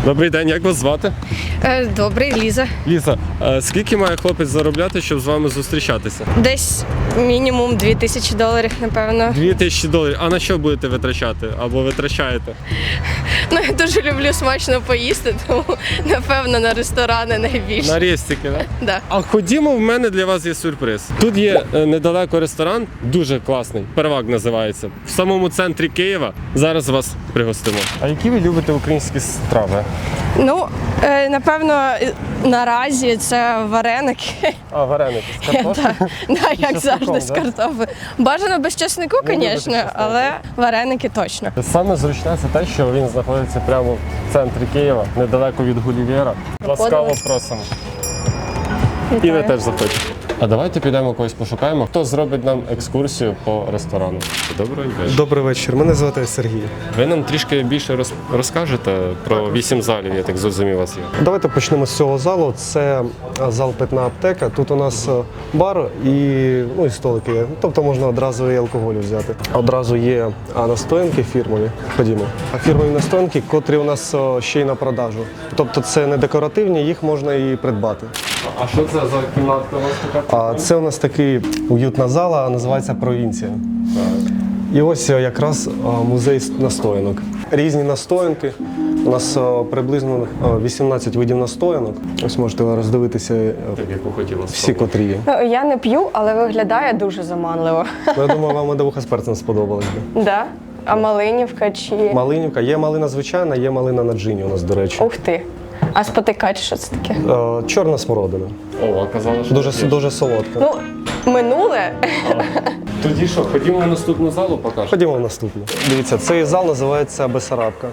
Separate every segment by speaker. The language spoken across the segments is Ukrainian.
Speaker 1: Добрий день, як вас звати?
Speaker 2: Добрий, Ліза.
Speaker 1: Ліза, скільки має хлопець заробляти, щоб з вами зустрічатися?
Speaker 2: Десь мінімум $2000, напевно.
Speaker 1: $2000. А на що будете витрачати? Або витрачаєте?
Speaker 2: Ну, я дуже люблю смачно поїсти, тому, напевно, на ресторани найбільше.
Speaker 1: На рестики, так?
Speaker 2: Да.
Speaker 1: А ходімо, в мене для вас є сюрприз. Тут є недалеко ресторан, дуже класний, Первак називається. В самому центрі Києва. Зараз вас пригостимо. А які ви любите українські страви?
Speaker 2: Ну, напевно, наразі це вареники.
Speaker 1: А, вареники з картоплею?
Speaker 2: Да, як завжди, з
Speaker 1: да?
Speaker 2: картоплею. Бажано без чеснику, звісно, але вареники точно.
Speaker 1: Саме зручне це те, що він знаходиться прямо в центрі Києва, недалеко від Гулівера. Ласкаво просимо. І ви теж заходьте. А давайте підемо когось пошукаємо, хто зробить нам екскурсію по ресторану. Доброго дня.
Speaker 3: Добрий вечір, мене звати Сергій.
Speaker 1: Ви нам трішки більше розкажете про 8 залів, я так зрозумів, у вас є.
Speaker 3: Давайте почнемо з цього залу. Це зал «Питна аптека». Тут у нас бар і столики є. Тобто можна одразу і алкоголь взяти. Одразу є настоянки фірмові. Ходімо. А фірмові настоянки, котрі у нас ще й на продажу. Тобто це не декоративні, їх можна і придбати.
Speaker 1: А що це за кімнатка у вас така?
Speaker 3: Це у нас такий уютна зала, називається «Провінція». І ось якраз музей настоянок. Різні настоянки. У нас приблизно 18 видів настоянок. Ось можете роздивитися
Speaker 1: Яку хотіла
Speaker 3: всі, котрі є.
Speaker 2: Ну, я не п'ю, але виглядає дуже заманливо.
Speaker 3: Я думаю, вам медовуха з перцем сподобалась би.
Speaker 2: Да? А малинівка чи...
Speaker 3: Малинівка. Є малина звичайна, є малина на джині у нас, до речі.
Speaker 2: Ух ти. А спотикач, що це таке?
Speaker 3: Чорна смородина.
Speaker 1: О, а казали, що
Speaker 3: Дуже солодка.
Speaker 2: Ну, минуле.
Speaker 1: Тоді що, ходімо в наступну залу, покажемо.
Speaker 3: Ходімо в наступну. Дивіться, цей зал називається Бесарабка.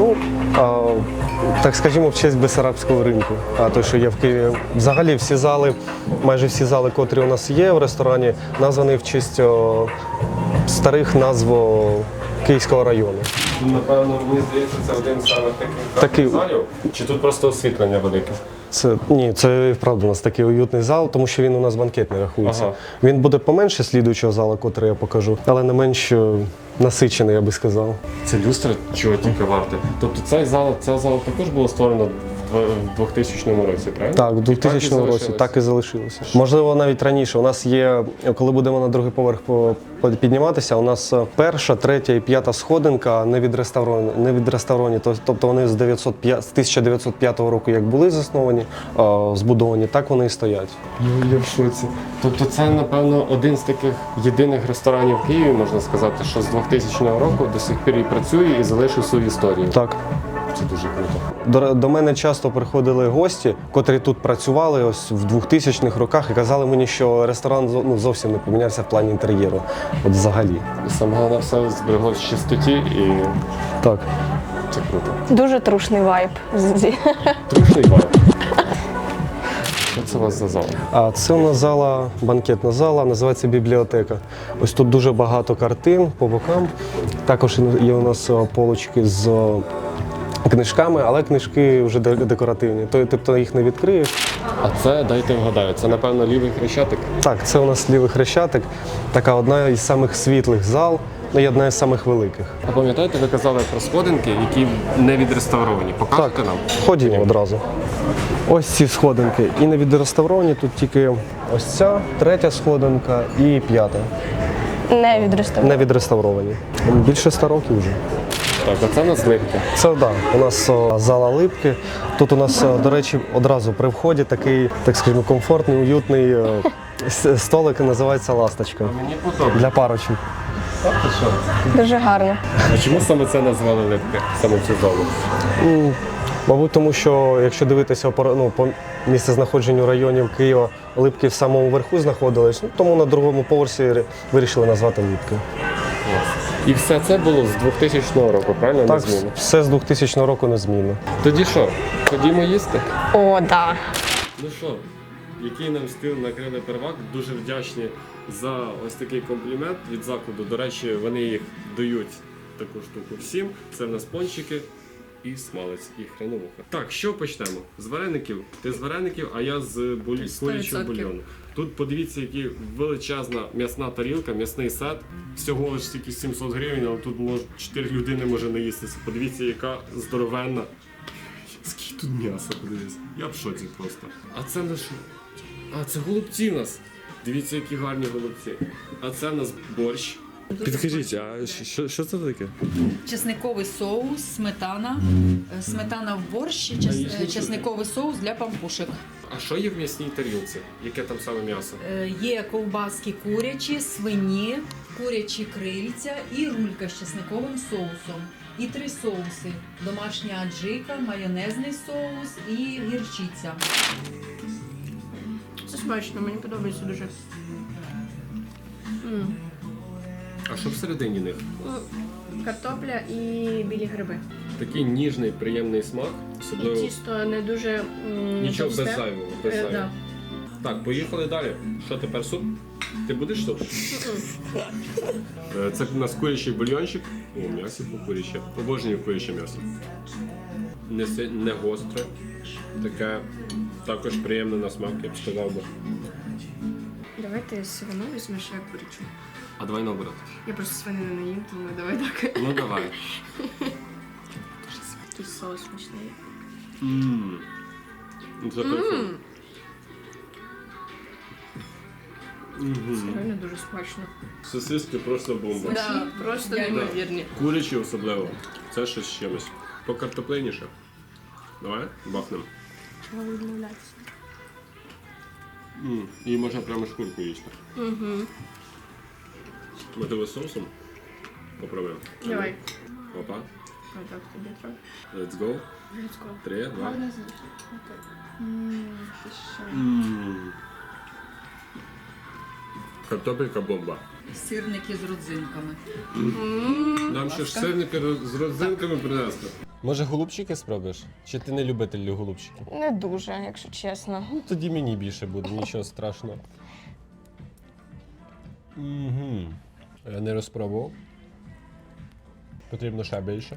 Speaker 3: Так скажімо, в честь Бесарабського ринку, той, що є в Києві. Взагалі всі зали, майже всі зали, котрі у нас є в ресторані, названі в честь старих назв Київського району.
Speaker 1: Напевно, мені здається, це один з самих таких залів. Чи тут просто освітлення велике?
Speaker 3: Ні, це вправду у нас такий уютний зал, тому що він у нас банкетний рахується.
Speaker 1: Ага.
Speaker 3: Він буде поменше слідуючого залу, котрий я покажу, але не менш насичений, я би сказав.
Speaker 1: Це люстра чого тільки варте. Тобто ця зала також було створено в 2000 році, правильно?
Speaker 3: Так, в 2000 році так і залишилося. Можливо, навіть раніше. У нас є, коли будемо на другий поверх підніматися, у нас перша, третя і п'ята сходинка не відреставровані. Тобто вони з 1905 року як були засновані, збудовані, так вони і стоять.
Speaker 1: Я в шоці. Тобто це, напевно, один з таких єдиних ресторанів в Києві, можна сказати, що з 2000 року до сих пір і працює і залишив свою історію.
Speaker 3: Так.
Speaker 1: Це дуже круто.
Speaker 3: До мене часто приходили гості, котрі тут працювали ось в 2000-х роках і казали мені, що ресторан зовсім не помінявся в плані інтер'єру. От взагалі.
Speaker 1: І саме головне все збереглось в чистоті і
Speaker 3: Так.
Speaker 1: це круто.
Speaker 2: Дуже трушний вайб.
Speaker 1: Трушний бар. Що це у вас за зал?
Speaker 3: А це у нас зала, банкетна зала, називається бібліотека. Ось тут дуже багато картин по бокам. Також є у нас полочки з книжками, але книжки вже декоративні. Тобто їх не відкриєш.
Speaker 1: А це, дайте вгадаю, це, напевно, лівий хрещатик?
Speaker 3: Так, це у нас лівий хрещатик. Така одна із самих світлих зал, і одна із самих великих.
Speaker 1: А пам'ятаєте, ви казали про сходинки, які не відреставровані? Покажете нам?
Speaker 3: Ходімо одразу. Ось ці сходинки. І не відреставровані, тут тільки ось ця, третя сходинка і п'ята.
Speaker 2: Не відреставровані.
Speaker 3: Не відреставровані. Більше 100 років вже.
Speaker 1: Так, а це у нас липки.
Speaker 3: Це так, у нас зала липки. Тут у нас, до речі, одразу при вході такий, так скажімо, комфортний, уютний столик, називається «Ласточка».
Speaker 1: Мені подобається.
Speaker 3: Для парочок.
Speaker 2: Дуже гарно.
Speaker 1: А чому саме це назвали липки, саме цю залу?
Speaker 3: Мабуть, тому що, якщо дивитися по місцезнаходженню районів Києва, липки в самому верху знаходились, тому на другому поверсі вирішили назвати липки.
Speaker 1: І все це було з 2000 року, правильно?
Speaker 3: Так,
Speaker 1: Незмінно?
Speaker 3: все з 2000 року незмінно.
Speaker 1: Тоді що, ходімо їсти?
Speaker 2: О, да.
Speaker 1: Ну що, який нам стіл накрили Первак, дуже вдячні за ось такий комплімент від закладу. До речі, вони їх дають таку штуку всім. Це в нас пончики і смалець, і хреновуха. Так, що почнемо? З вареників. Ти з вареників, а я з курячого бульйону. Тут подивіться, які величезна м'ясна тарілка, м'ясний сет. Всього лише тільки 700 гривень, але тут 4 людини може наїстися. Подивіться, яка здоровенна тут м'ясо, подивись. Я в шоці просто. А це наш. А, це голубці в нас. Дивіться, які гарні голубці. А це в нас борщ. Підкажіть, а що це таке?
Speaker 4: Чесниковий соус, сметана, сметана в борщ, чесниковий соус для пампушек.
Speaker 1: А що є в м'ясній тарілці? Яке там саме м'ясо?
Speaker 4: Є ковбаски курячі, свині, курячі крильця і рулька з чесниковим соусом. І 3 соуси: домашня аджика, майонезний соус і гірчиця.
Speaker 2: Це смачно, мені подобається дуже.
Speaker 1: А що всередині них?
Speaker 2: Картопля і білі гриби.
Speaker 1: Такий ніжний, приємний смак.
Speaker 2: І
Speaker 1: Особливо
Speaker 2: тісто не дуже
Speaker 1: нічого
Speaker 2: товсте.
Speaker 1: без зайвого. Без зайвого.
Speaker 2: Да.
Speaker 1: Так, поїхали далі. Що тепер суп? Ти будеш суп? Це у нас курячий бульйончик. О, м'ясо куряче. Обожнюю куряче м'ясо. Не гостре. Таке також приємне на смак, я б сказав би.
Speaker 2: Давай ти свину візьмеш, я курячу.
Speaker 1: А давай наоборот.
Speaker 2: Я просто свинину не їм, тому давай так.
Speaker 1: Ну давай.
Speaker 2: Тут соус смачний.
Speaker 1: Це perfect.
Speaker 2: Це реально дуже смачно.
Speaker 1: Сосиски просто бомба.
Speaker 2: Да, просто неймовірні.
Speaker 1: Курячі особливо. Це щось з чимось. Покартопленіше. Давай, бахнем.
Speaker 2: Чого відмовлятися?
Speaker 1: І можна прямо шкурку їсти. Можливо, з соусом? Попробуємо.
Speaker 2: Давай.
Speaker 1: Опа.
Speaker 2: Отак тобі трохи.
Speaker 1: Let's go.
Speaker 2: Let's go.
Speaker 1: 3, 2. Картопелька бомба.
Speaker 4: Сирники з родзинками.
Speaker 1: Нам ще ж сирники з родзинками принесли. Може голубчики спробуєш? Чи ти не любитель голубчиків?
Speaker 2: Не дуже, якщо чесно.
Speaker 1: Ну тоді мені більше буде, нічого страшного. Я не розпробував. Потрібно ще більше.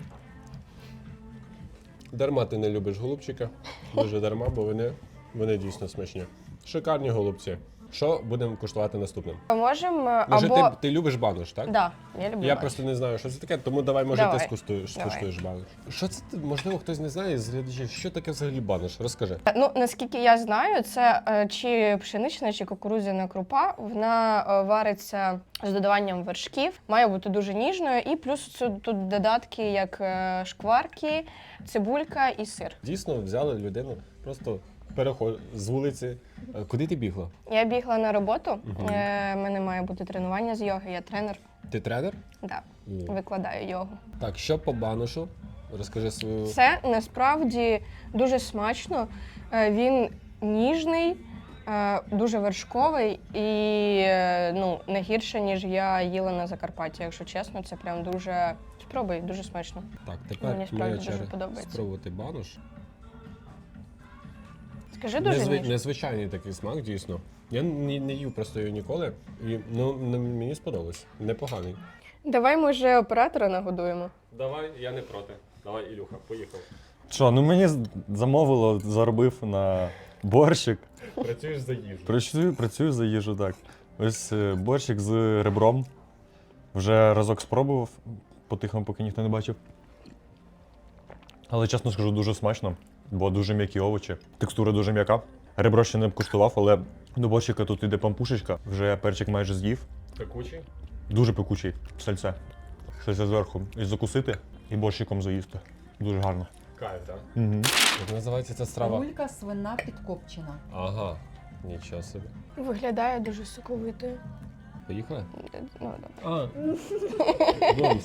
Speaker 1: Дарма ти не любиш голубчика. Дуже дарма, бо вони дійсно смачні. Шикарні голубці. Що будемо куштувати наступним?
Speaker 2: Можемо
Speaker 1: Може,
Speaker 2: або...
Speaker 1: ти любиш банош, так?
Speaker 2: Да, я люблю
Speaker 1: Я
Speaker 2: банош.
Speaker 1: просто не знаю, що це таке, тому давай, може,
Speaker 2: Давай.
Speaker 1: ти скуштуєш банош. Що це? Можливо, хтось не знає з глядачів, що таке взагалі банош? Розкажи.
Speaker 2: Ну, наскільки я знаю, це чи пшенична, чи кукурудзяна крупа. Вона вариться з додаванням вершків, має бути дуже ніжною, і плюс тут додатки, як шкварки, цибулька і сир.
Speaker 1: Дійсно, взяли людину, просто переход з вулиці. Куди ти бігла?
Speaker 2: Я бігла на роботу, в мене має бути тренування з йоги, я тренер,
Speaker 1: Ти тренер?
Speaker 2: да, викладаю йогу.
Speaker 1: Так, що по баношу? Розкажи свою.
Speaker 2: Це насправді дуже смачно, він ніжний, дуже вершковий і не гірше, ніж я їла на Закарпатті, якщо чесно, це прям дуже... Спробуй, дуже смачно.
Speaker 1: Так, тепер
Speaker 2: Мені справді
Speaker 1: моя
Speaker 2: дуже
Speaker 1: черга
Speaker 2: подобається.
Speaker 1: спробувати банош.
Speaker 2: Скажи дуже ніжно.
Speaker 1: Незвичайний такий смак, дійсно. Я не їв просто його ніколи, і мені сподобалось. Непоганий.
Speaker 2: Давай, може, оператора нагодуємо.
Speaker 1: Давай, я не проти. Давай, Ілюха, поїхав.
Speaker 5: Що, ну мені замовило, заробив на борщик.
Speaker 1: Працюєш за їжу.
Speaker 5: Працюю за їжу, так. Ось борщик з ребром. Вже разок спробував, по-тихому, поки ніхто не бачив. Але, чесно скажу, дуже смачно, бо дуже м'які овочі. Текстура дуже м'яка. Ребро ще не куштував, але до борщика тут іде пампушечка. Вже перчик майже з'їв.
Speaker 1: Пекучий?
Speaker 5: Дуже пекучий сальце. Сальце зверху. І закусити, і борщиком заїсти. Дуже гарно.
Speaker 1: Кайф, так?
Speaker 5: Угу.
Speaker 1: Як називається ця страва?
Speaker 4: Рулька свина підкопчена.
Speaker 1: Ага, нічого собі.
Speaker 2: Виглядає дуже соковитою.
Speaker 1: Поїхали?
Speaker 2: Ну,
Speaker 1: А, бомс.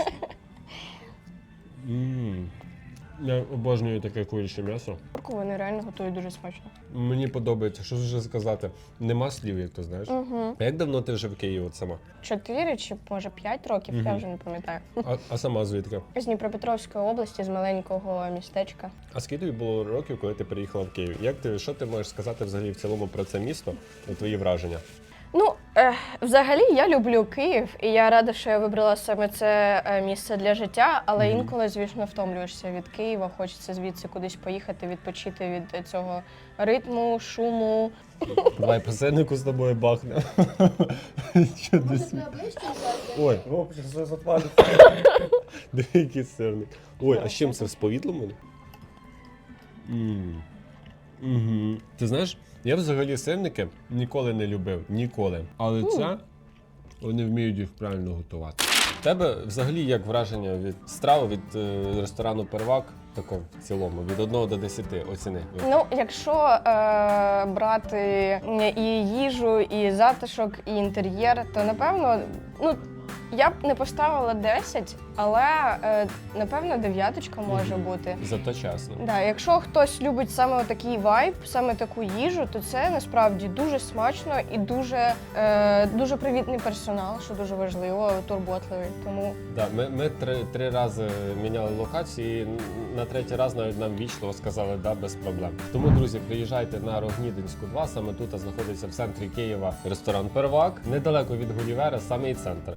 Speaker 1: Я обожнюю таке куряче м'ясо.
Speaker 2: вони реально готують дуже смачно.
Speaker 1: Мені подобається, що вже сказати. Нема слів, як то знаєш. А як давно ти вже в Києві от сама?
Speaker 2: 4 чи, може, 5 років, я вже не пам'ятаю.
Speaker 1: А сама звідки?
Speaker 2: З Дніпропетровської області, з маленького містечка.
Speaker 1: А скільки тобі було років, коли ти приїхала в Київ? Що ти можеш сказати взагалі в цілому про це місто і твої враження?
Speaker 2: Ну, взагалі я люблю Київ, і я рада, що я вибрала саме це місце для життя, але інколи, звісно, втомлюєшся від Києва, хочеться звідси кудись поїхати, відпочити від цього ритму, шуму.
Speaker 1: Давай по сирнику з тобою бахне. Ой, все запалиться. Диви, який сирник. Ой, а з чим це? З повідлом? Ти знаєш, я взагалі сирники ніколи не любив. Ніколи. Але це вони вміють їх правильно готувати. У тебе взагалі як враження від страви, від ресторану Первак, такого в цілому, від 1 до 10 оціни?
Speaker 2: Ну, якщо брати і їжу, і затишок, і інтер'єр, то напевно, ну, я б не поставила 10, але напевно 9 може бути.
Speaker 1: Зато чесно.
Speaker 2: Да, якщо хтось любить саме такий вайб, саме таку їжу, то це насправді дуже смачно і дуже привітний персонал, що дуже важливо, турботливий. Тому
Speaker 1: Да, ми три рази міняли локації, і на третій раз навіть нам вічливо сказали да, без проблем. Тому, друзі, приїжджайте на Рогнідинську 2, саме тут знаходиться в центрі Києва ресторан Первак, недалеко від Гулівера, самий центр.